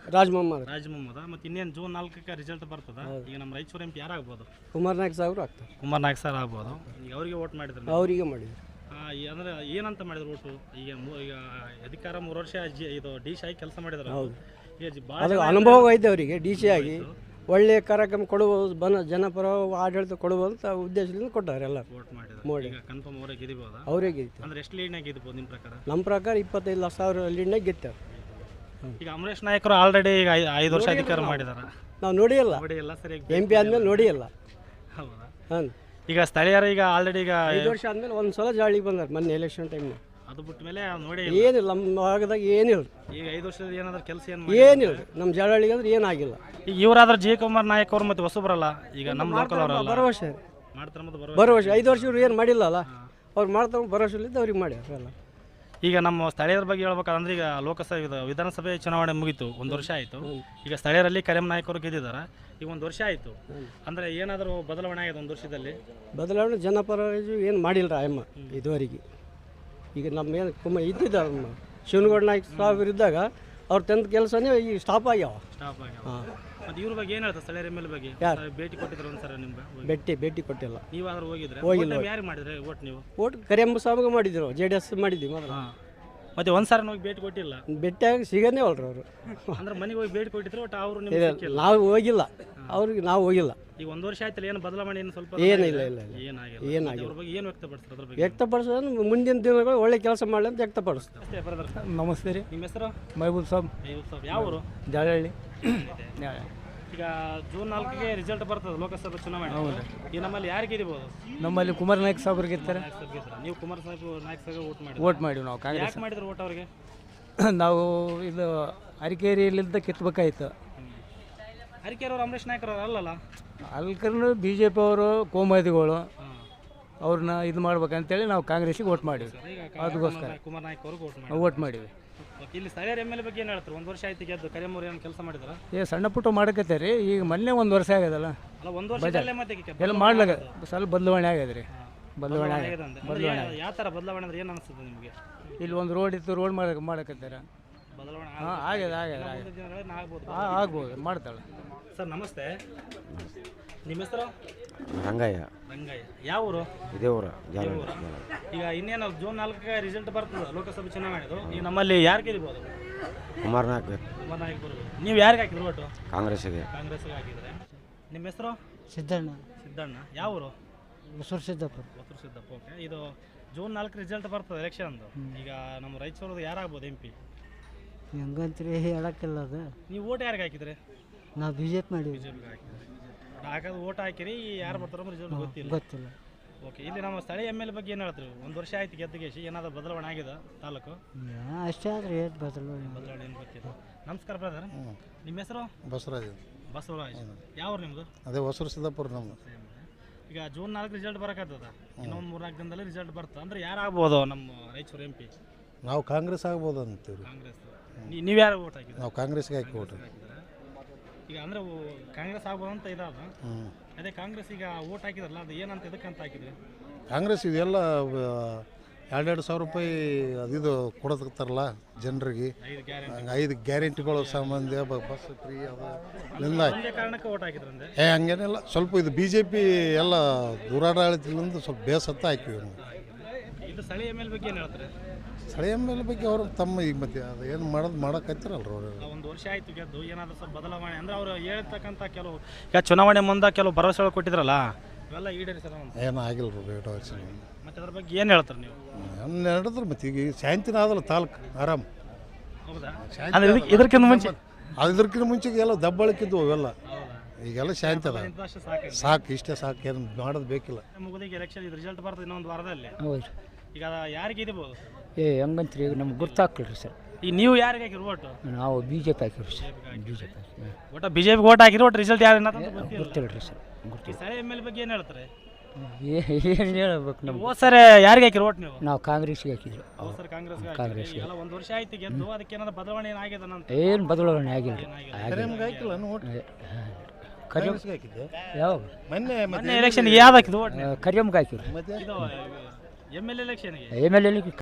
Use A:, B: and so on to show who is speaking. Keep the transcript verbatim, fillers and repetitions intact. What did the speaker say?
A: ರಾಜ್ ಮೊಹಮ್ಮದ್
B: ರಾಜ್ ಮೊಹಮ್ಮದ. ಮತ್ತು ಇನ್ನೇನು ಜೂನ್ ನಾಲ್ಕಕ್ಕೆ ರಿಸಲ್ಟ್ ಬರ್ತದ. ಈಗ ನಮ್ಮ ರಾಯಚೂರು ಎಂ ಪಿ ಯಾರಾಗ್ಬೋದು?
A: ಕುಮಾರ್ ನಾಯಕ್ ಸಾಹೇಬ್ರು ಆಗ್ತಾರೆ.
B: ಕುಮಾರ್ ನಾಯಕ್ ಸರ್ ಆಗ್ಬೋದು. ಈಗ ಅವರಿಗೆ ವೋಟ್ ಮಾಡಿದ್ರು
A: ಅವರಿಗೆ ಮಾಡಿದ್ರು.
B: ಅಂದರೆ ಏನಂತ ಮಾಡಿದ್ರು ಓಟು? ಈಗ ಮೂ ಈಗ ಅಧಿಕಾರ ಮೂರು ವರ್ಷ ಜಿ ಇದು ಡಿ ಸಿ ಆಗಿ ಕೆಲಸ ಮಾಡಿದ್ರು.
A: ಹೌದು,
B: ಈಗ ಭಾಳ
A: ಅದು ಅನುಭವ ಐತೆ ಅವರಿಗೆ. ಡಿ ಸಿ ಆಗಿ ಒಳ್ಳೆಯ ಕಾರ್ಯಕ್ರಮ ಕೊಡುವುದು, ಬನ ಜನಪರ ಆಡಳಿತ ಕೊಡುವಂಥ ಉದ್ದೇಶದಿಂದ ಕೊಟ್ಟಾರೆ ಎಲ್ಲ.
B: ವೋಟ್ ಮಾಡಿದ್ರು.
A: ಮಾಡಿ
B: ಈಗ ಕನ್ಫರ್ಮ್ ಅವರೇ ಗೆದಿಬೋದಾ?
A: ಅವರೇ ಗೆದ್ದು.
B: ಅಂದ್ರೆ ಎಷ್ಟು ಲೀಡ್ನಾಗ ಗೆದ್ಬೋದು ನಿಮ್ಮ ಪ್ರಕಾರ?
A: ನಮ್ಮ ಪ್ರಕಾರ ಇಪ್ಪತ್ತೈದು ಲಕ್ಷ ಸಾವಿರ ಲೀಡ್ನಾಗ ಗೆದ್ತಾರೆ.
B: ಈಗ ಅಮರೇಶ್ ನಾಯಕರು ಆಲ್ರೆಡಿ ಈಗ ಐ- ಐದು ವರ್ಷ ಅಧಿಕಾರ ಮಾಡಿದಾರೆ.
A: ನಾವು ನೋಡಿಯಲ್ಲ,
B: ನೋಡಿ ಎಲ್ಲ ಸರಿಯಾಗಿ
A: ಎಂ ಪಿ ಆದಮೇಲೆ ನೋಡಿಯಲ್ಲ.
B: ಹೌದಾ?
A: ಹಾಂ,
B: ಈಗ ಸ್ಥಳೀಯರು ಈಗ ಆಲ್ರೆಡಿ ಈಗ
A: ಐದು ವರ್ಷ ಆದಮೇಲೆ ಒಂದು ಸಲ ಜಾಳಿಗೆ ಬಂದಾರೆ ಮೊನ್ನೆ ಎಲೆಕ್ಷನ್ ಟೈಮ್ನಾಗ.
B: ಅದು ಬಿಟ್ಟ ಮೇಲೆ ನೋಡಿ
A: ಏನಿಲ್ಲ, ನಮ್ಮ ಭಾಗದಾಗ ಏನಿಲ್ಲ,
B: ಈಗ ಐದು ವರ್ಷದ ಏನಾದ್ರು ಕೆಲಸ ಏನು
A: ಏನಿಲ್ಲ. ನಮ್ಮ ಜಾಳಿಗೆ ಅಂದ್ರೆ ಏನಾಗಿಲ್ಲ.
B: ಈಗ ಇವರಾದ್ರೆ ಜಿ ಕುಮಾರ್ ನಾಯಕ್ ಅವರು ಮತ್ತೆ ಹೊಸಬರಲ್ಲ, ಈಗ ನಮ್ಮ ಲೋಕಲ್ ಅವರಲ್ಲ
A: ಭರವಸೆ
B: ಮಾಡ್ತಾರೆ. ಮತ್ತೆ ಬರುವ
A: ಭರವಸೆ ಐದು ವರ್ಷ ಇವ್ರು ಏನು ಮಾಡಿಲ್ಲ ಅಲ್ಲ, ಅವ್ರು ಮಾಡ್ತಾರೆ ಭರವಸೆಲಿದ್ದು ಅವ್ರಿಗೆ ಮಾಡ್ಯಾರ ಎಲ್ಲ.
B: ಈಗ ನಮ್ಮ ಸ್ಥಳೀಯರ ಬಗ್ಗೆ ಹೇಳ್ಬೇಕಂದ್ರೆ ಈಗ ಲೋಕಸಭೆ ಇದು ವಿಧಾನಸಭೆ ಚುನಾವಣೆ ಮುಗೀತು, ಒಂದು ವರ್ಷ ಆಯಿತು. ಈಗ ಸ್ಥಳೀಯರಲ್ಲಿ ಕರೆಮ್ ನಾಯಕ್ ಅವರು ಗೆದ್ದಿದ್ದಾರೆ. ಈಗ ಒಂದು ವರ್ಷ ಆಯಿತು. ಅಂದರೆ ಏನಾದರೂ ಬದಲಾವಣೆ ಆಗಿದೆ ಒಂದು ವರ್ಷದಲ್ಲಿ?
A: ಬದಲಾವಣೆ ಜನಪರ ಏನು ಮಾಡಿಲ್ಲ ಅಮ್ಮ ಇದುವರೆಗೆ. ಈಗ ನಮ್ಮ ಏನು ಕುಮ ಇದ್ದಿದ್ದ ಶಿವನಗೌಡ ನಾಯ್ಕ ಸಾಹೇಬ್ರು ಇದ್ದಾಗ ಅವ್ರು ತಂದ ಕೆಲಸನೇ ಈಗ ಸ್ಟಾಪ್ ಆಗ್ಯಾವ.
B: ಸ್ಟಾಪ್ ಆಗ್ಯಾವ.
A: ಹಾಂ,
B: ಮತ್ತು ಇವ್ರ ಬಗ್ಗೆ ಏನು ಹೇಳ್ತಾರೆ ಸ್ಥಳೀಯರ ಮೇಲೆ ಬಗ್ಗೆ?
A: ಯಾರು?
B: ಭೇಟಿ ಕೊಟ್ಟಿದ್ರು ಒಂದ್ಸಲ ನಿಮ್ಗೆ?
A: ಭೇಟಿ ಭೇಟಿ ಕೊಟ್ಟಿಲ್ಲ.
B: ನೀವಾದ್ರೂ ಹೋಗಿದ್ರೆ?
A: ಹೋಗಿಲ್ಲ.
B: ಯಾರು ಮಾಡಿದ್ರೆ ಓಟ್ ನೀವು?
A: ಓಟ್ ಕರಿಯಂಬ ಸಾಹೇಬ್ಗೆ ಮಾಡಿದ್ರು, ಜೆ ಡಿ ಎಸ್ ಮಾಡಿದ್ವಿ ಮೊದಲು.
B: ಹಾಂ, ಮತ್ತೆ ಒಂದ್ಸಾರಿ ಹೋಗಿ ಭೇಟಿ ಕೊಟ್ಟಿಲ್ಲ?
A: ಭೇಟಿಯಾಗಿ ಸಿಗನೇ ಅಲ್ರಿ ಅವರು.
B: ಅಂದ್ರೆ ಮನೆಗೆ ಹೋಗಿ ಭೇಟಿ ಕೊಟ್ಟಿದ್ರು ಒಟ್ಟು ಅವರು ನಿಮ್ಗೆ ಸಿಕ್ಕಿಲ್ಲ?
A: ನಾವು ಹೋಗಿಲ್ಲ, ಅವ್ರಿಗೆ ನಾವು ಹೋಗಿಲ್ಲ.
B: ಈಗ ಒಂದು ವರ್ಷ ಆಯ್ತಲ್ಲ, ಏನು ಬದಲಾವಣೆ ಏನು ಸ್ವಲ್ಪ?
A: ಏನಿಲ್ಲ, ಇಲ್ಲ ಇಲ್ಲ
B: ಏನಾಗಿಲ್ಲ.
A: ಏನಾಗಿಲ್ಲ.
B: ಅವ್ರ ಬಗ್ಗೆ ಏನು ವ್ಯಕ್ತಪಡಿಸ್ತಾರೆ ಅದ್ರ ಬಗ್ಗೆ?
A: ವ್ಯಕ್ತಪಡಿಸೋದು ಮುಂದಿನ ದಿನಗಳು ಒಳ್ಳೆ ಕೆಲಸ ಮಾಡಲಿ ಅಂತ ವ್ಯಕ್ತಪಡಿಸ್ತಾರೆ.
B: ಅಷ್ಟೇ ಬ್ರದರ್.
C: ನಮಸ್ತೆ ರೀ,
B: ನಿಮ್ಮ ಹೆಸರು?
C: ಮಹಬೂಬ್ ಸಾಬ್,
B: ಅಯ್ಯೋ ಸಾಬ್. ಯಾವ ಊರು?
C: ಜಾಲಹಳ್ಳಿ.
B: ಈಗ ಜೂನ್ ನಾಲ್ಕಿಗೆ ರಿಸಲ್ಟ್ ಬರ್ತದೆ ಲೋಕಸಭೆ ಚುನಾವಣೆ. ಈ ನಮ್ಮಲ್ಲಿ ಯಾರು ಗೆದಿಬೋದು?
C: ನಮ್ಮಲ್ಲಿ ಕುಮಾರ್ ನಾಯಕ್ ಸಾಬ್ರು ಗೆಲ್ತಾರೆ.
B: ನಾಯಕ್ ಸಾಬ್ ಗೆದ್ರು. ನೀವು ಕುಮಾರ್ ಸಾಹೇಬ್ ನಾಯಕ್ ಸಾಹೇಬ್ ವೋಟ್ ಮಾಡಿ
C: ವೋಟ್ ಮಾಡಿವಿ ನಾವು ಕಾಂಗ್ರೆಸ್.
B: ಯಾಕೆ ಮಾಡಿದ್ರು ವೋಟ್ ಅವ್ರಿಗೆ?
C: ನಾವು ಇದು ಅರಿಕೇರಿಯಲ್ಲಿದ್ದ ಕಿತ್ಬೇಕಾಯ್ತು.
B: ಅರಿಕೆರವ್ರು ಅಮರೇಶ್ ನಾಯಕರವ್ರು ಅಲ್ಲಲ್ಲ?
C: ಅಲ್ಕರ್ನು ಬಿ ಜೆ ಪಿ ಅವರು ಕೋಮದಿಗಳು ಅವ್ರನ್ನ ಇದು ಮಾಡ್ಬೇಕಂತೇಳಿ ನಾವು ಕಾಂಗ್ರೆಸ್ಸಿಗೆ ವೋಟ್ ಮಾಡಿವಿ. ಅದಕ್ಕೋಸ್ಕರ
B: ಕುಮಾರ್ ನಾಯಕ್ ಅವ್ರಿಗೆ ವೋಟ್ ಮಾಡಿ
C: ವೋಟ್ ಮಾಡಿವಿ.
B: ಇಲ್ಲಿ ಸ್ಥಳೀಯರ ಎಮ್ ಎಲ್ ಎ ಬಗ್ಗೆ ಏನು ಹೇಳ್ತಾರೆ? ಒಂದು ವರ್ಷ ಆಯ್ತು ಗೆದ್ದು. ಕರಿಯಮ್ಮವ್ರು ಏನು ಕೆಲಸ ಮಾಡಿದಾರ?
C: ಏ ಸಣ್ಣ ಪುಟ್ಟ ಮಾಡಕತ್ತೆ ರೀ. ಈಗ ಮೊನ್ನೆ ಒಂದು ವರ್ಷ ಆಗ್ಯದಲ್ಲ,
B: ಅಲ್ಲ ಒಂದು ವರ್ಷದಲ್ಲೇ ಮತ್ತೆ
C: ಎಲ್ಲ ಮಾಡ್ಲಾಗ ಸ್ವಲ್ಪ ಬದಲಾವಣೆ ಆಗ್ಯದ ರೀ. ಬದಲಾವಣೆ ಆಗಿದೆ.
B: ಯಾವ ಥರ ಬದಲಾವಣೆ ಅಂದ್ರೆ ಏನು ಅನಿಸ್ತದೆ ನಿಮಗೆ?
C: ಇಲ್ಲಿ ಒಂದು ರೋಡ್ ಇತ್ತು, ರೋಡ್ ಮಾಡಕ್ಕೆ ಮಾಡಕತ್ತಾರ.
B: ಬದಲಾವಣೆ
C: ಹಾಂ ಆಗ್ಯದ ಆಗ್ಯದ
B: ಮುಂದಿನ ದಿನಗಳಲ್ಲಿ ಆಗ್ಬೋದು.
C: ಹಾಂ ಆಗ್ಬೋದು, ಮಾಡ್ತಾಳೆ.
B: ಸರ್ ನಮಸ್ತೆ, ನಿಮ್ಮ ಹೆಸರು?
D: ರಂಗಯ್ಯ.
B: ರಂಗಯ್ಯ. ಯಾವ ಊರು?
D: ಇದೇ ಊರ ಜಾಲ.
B: ಈಗ ಇನ್ನೇನು ಜೂನ್ ನಾಲ್ಕಕ್ಕೆ ರಿಸಲ್ಟ್ ಬರ್ತದೆ ಲೋಕಸಭೆ ಚುನಾವಣೆದು. ಈಗ ನಮ್ಮಲ್ಲಿ ಯಾರು ಗೆಲ್ಬೋದು?
D: ಕುಮಾರ್ ನಾಯಕ್
B: ಕುಮಾರ್ ನಾಯಕ್ ಬರ್ಬೋದು. ನೀವು ಯಾರಿಗೆ ಹಾಕಿದ್ರು ಓಟು?
D: ಕಾಂಗ್ರೆಸ್ಸಿಗೆ.
B: ಕಾಂಗ್ರೆಸ್ಗೆ ಹಾಕಿದ್ರೆ. ನಿಮ್ಮ ಹೆಸರು?
C: ಸಿದ್ದಣ್ಣ.
B: ಸಿದ್ದಣ್ಣ. ಯಾವ ಊರು?
C: ಹೊಸೂರು ಸಿದ್ದಪ್ಪ.
B: ಹೊಸೂರು ಸಿದ್ದಪ್ಪ. ಓಕೆ. ಇದು ಜೂನ್ ನಾಲ್ಕು ರಿಸಲ್ಟ್ ಬರ್ತದೆ ಎಲೆಕ್ಷನ್ದು. ಈಗ ನಮ್ಮ ರಾಯಚೂರದು ಯಾರಾಗ್ಬೋದು ಎಂ ಪಿ?
C: ಹೆಂಗಂತ್ರಿ ಹೇಳಕ್ಕಿಲ್ಲ ಅದು.
B: ನೀವು ಓಟ್ ಯಾರಿಗೆ ಹಾಕಿದ್ರೆ?
C: ನಾವು ಬಿ ಜೆ ಪಿ ಮಾಡಿವಿ.
B: ಬಿಜೆಪಿಗೆ ಹಾಕಿದ್ರೆ. ಹಾಕೋದು ಓಟ್ ಹಾಕಿರಿ, ಯಾರು ಬರ್ತಾರೋ ರಿಸಲ್ಟ್ ಗೊತ್ತಿಲ್ಲ.
C: ಗೊತ್ತಿಲ್ಲ.
B: ಓಕೆ. ಇಲ್ಲಿ ನಮ್ಮ ಸ್ಥಳೀಯ ಎಮ್ ಎಲ್ ಬಗ್ಗೆ ಏನು ಹೇಳ್ತೀವಿ? ಒಂದು ವರ್ಷ ಆಯ್ತು ಗೆದ್ದಗೇಶಿ, ಏನಾದರೂ ಬದಲಾವಣೆ ಆಗಿದೆ ತಾಲೂಕು?
C: ಅಷ್ಟೇ ಆದ್ರೆ ಏನು ಬದಲಾವಣೆ
B: ಬದಲಾವಣೆ ಏನು ಗೊತ್ತಿಲ್ಲ. ನಮಸ್ಕಾರ ಬ್ರದರ್, ನಿಮ್ಮ ಹೆಸರು?
E: ಬಸವರಾಜ್.
B: ಬಸವರಾಜ್. ಯಾವ ನಿಮ್ಮದು?
E: ಅದೇ ಹೊಸೂರು ಸಿದ್ದಾಪುರ ನಮ್ಮದು.
B: ಈಗ ಜೂನ್ ನಾಲ್ಕು ರಿಸಲ್ಟ್ ಬರಕತ್ತದ. ಇನ್ನೊಂದು ಮೂರ್ನಾಲ್ಕು ದಿನದಲ್ಲಿ ರಿಸಲ್ಟ್ ಬರ್ತದೆ. ಅಂದ್ರೆ ಯಾರು ಆಗ್ಬೋದು ನಮ್ಮ ರಾಯಚೂರು ಎಂ ಪಿ?
E: ನಾವು ಕಾಂಗ್ರೆಸ್ ಆಗ್ಬೋದು ಅಂತೀವಿ.
B: ಕಾಂಗ್ರೆಸ್. ನೀವು ಯಾರು ಓಟ್ ಹಾಕಿದ್ರೆ?
E: ನಾವು ಕಾಂಗ್ರೆಸ್ಗೆ ಹಾಕಿ ಓಟ್.
B: ಈಗ ಅಂದರೆ ಕಾಂಗ್ರೆಸ್ ಆಗ್ಬೋದು ಅಂತ ಇದಾದ.
E: ಹ್ಞೂ.
B: ಅದೇ ಕಾಂಗ್ರೆಸ್ ಈಗ ಓಟ್ ಹಾಕಿದ್ರಲ್ಲ, ಅದು ಏನಂತ ಎದಕ್ಕಂತ ಹಾಕಿದ್ರಿ?
E: ಕಾಂಗ್ರೆಸ್ ಇದೆಲ್ಲ ಎರಡೆರಡು ಸಾವಿರ ರೂಪಾಯಿ ಅದಿದು ಕೊಡೋದಕ್ತಾರಲ್ಲ ಜನರಿಗೆ,
B: ಐದು ಗ್ಯಾರಂಟಿ
E: ಐದು ಗ್ಯಾರಂಟಿಗಳು ಸಂಬಂಧ ಬಸ್ ಫ್ರೀ ಅದು ಎಲ್ಲ.
B: ಒಂದೇ ಕಾರಣಕ್ಕೆ ಓಟ್ ಹಾಕಿದ್ರಂದ್ರೆ?
E: ಏ ಹಂಗೇನಿಲ್ಲ, ಸ್ವಲ್ಪ ಇದು ಬಿ ಜೆ ಪಿ ಎಲ್ಲ ದೂರಾಡಳಿತದಿಂದ ಸ್ವಲ್ಪ ಬೇಸತ್ತ ಹಾಕಿವಿ ನಾವು.
B: ಇದು ಸ್ಥಳೀಯ ಎಮ್ ಎಲ್ ಬಗ್ಗೆ ಏನು ಹೇಳ್ತಾರೆ?
E: ಸ್ಥಳೀಯ ಮೇಲೆ ಬಗ್ಗೆ ಅವರು ತಮ್ಮ ಈಗ ಮತ್ತೆ ಅದು ಏನು ಮಾಡೋದು ಮಾಡೋಕತ್ತಿರಲ್ರ ಅವರು.
B: ಒಂದು ವರ್ಷ ಆಯ್ತು ಗೆದ್ದು, ಏನಾದರೂ ಸ್ವಲ್ಪ ಬದಲಾವಣೆ ಅಂದ್ರೆ ಅವರು ಹೇಳ್ತಕ್ಕಂಥ ಕೆಲವು ಈಗ ಚುನಾವಣೆ ಮುಂದೆ ಕೆಲವು ಭರವಸೆಗಳು ಕೊಟ್ಟಿದ್ರಲ್ಲ, ಇವೆಲ್ಲ ಈಡೇರಿಸಲ್ಲ ಅಂತ.
E: ಏನೂ ಆಗಿಲ್ಲ ರೀ ಬೇಡ.
B: ಮತ್ತೆ ಅದ್ರ ಬಗ್ಗೆ ಏನು ಹೇಳ್ತಾರೆ ನೀವು?
E: ನಡೆದ್ರೆ ಮತ್ತೆ ಈಗ ಶಾಂತಿನ ಆದಲ್ಲ ತಾಲೂಕು ಆರಾಮ್.
B: ಹೌದಾ? ಅಂದ್ರೆ ಇದಕ್ಕೆ ಇದಕ್ಕಿಂತ ಮುಂಚೆ
E: ಅದಕ್ಕಿಂತ ಮುಂಚೆಗೆ ಎಲ್ಲ ದಬ್ಬಳಕ್ಕಿದ್ವು ಅವೆಲ್ಲ. ಈಗೆಲ್ಲ ಶಾಂತಿ ಅದ.
B: ಇಂಥಷ್ಟು ಸಾಕು.
E: ಸಾಕು, ಇಷ್ಟೇ ಸಾಕು, ಏನು ಮಾಡೋದು ಬೇಕಿಲ್ಲ.
B: ಮುಗಿದಿಗೆ ಎಲೆಕ್ಷನ್ ಇದು ರಿಸಲ್ಟ್ ಬರ್ತದೆ ಇನ್ನೊಂದು ವಾರದಲ್ಲಿ.
C: ಹೌದು.
B: ಈಗ ಯಾರಿಗೆ ಇದಿರ್ಬೋದು?
C: ಏ ಹೆಂಗಂತ್ರಿ ಈಗ ನಮ್ಗೆ ಗೊತ್ತಾಗ್ಲಿಲ್ಲ ಸರ್.
B: ಈಗ ನೀವು ಯಾರಿಗೆ ಹಾಕಿರಿ ಓಟು?
C: ನಾವು ಬಿ ಜೆ ಪಿ ಹಾಕಿರಿ ಸರ್. ಬಿ ಜೆ ಪಿ
B: ಒಟ್ಟು ಬಿ ಜೆ ಪಿ ಓಟ್ ಹಾಕಿರಿ, ಒಟ್ಟು ರಿಸಲ್ಟ್ ಯಾರು ಗೊತ್ತಿಲ್ಲ.
C: ಗೊತ್ತಿಲ್ಲ ರೀ ಸರ್.
B: ಈ
C: ಗೊತ್ತಿಲ್ಲ.
B: ಸ್ಥಳೀಯ ಎಮ್ ಎಲ್ ಬಗ್ಗೆ ಏನು ಹೇಳ್ತಾರೆ?
C: ಏನು ಹೇಳ್ಬೇಕು ನಮ್ಗೆ?
B: ಹೋದ ಸರಿ ಯಾರಿಗೆ ಹಾಕಿರಿ ಓಟ್ ನೀವು?
C: ನಾವು ಕಾಂಗ್ರೆಸ್ಗೆ ಹಾಕಿದ್ರು.
B: ಹೋದ ಸರಿ ಕಾಂಗ್ರೆಸ್ಗೆ
C: ಕಾಂಗ್ರೆಸ್ಗೆ.
B: ಎಲ್ಲ ಒಂದು ವರ್ಷ ಆಯ್ತು ಗೆದ್ದು, ಅದಕ್ಕೆ ಏನಾದ್ರು ಬದಲಾವಣೆ ಏನಾಗಿದೆ ಅಂತ?
C: ಏನು ಬದಲಾವಣೆ ಆಗಿಲ್ಲ.
E: ಕರೆಮ್ಗೆ ಹಾಕಿಲ್ಲ ಓಟ್.
C: ಕರಿಯಮ್ಗೆ ಹಾಕಿದ್ದೆ. ಯಾವಾಗ?
E: ಮೊನ್ನೆ
B: ಮೊನ್ನೆ ಎಲೆಕ್ಷನ್ಗೆ ಯಾವ್ದು ಹಾಕಿದ್ದು ಓಟ್?
C: ಕರಿಯಮ್ಗೆ ಹಾಕಿದ್ರು.
E: ಮತ್ತೆ
B: ಇದು ಎಮ್ ಎಲ್ ಎಲೆಕ್ಷನ್ಗೆ
C: ಎಮ್ ಎಲ್ ಎಲ್ಲಿ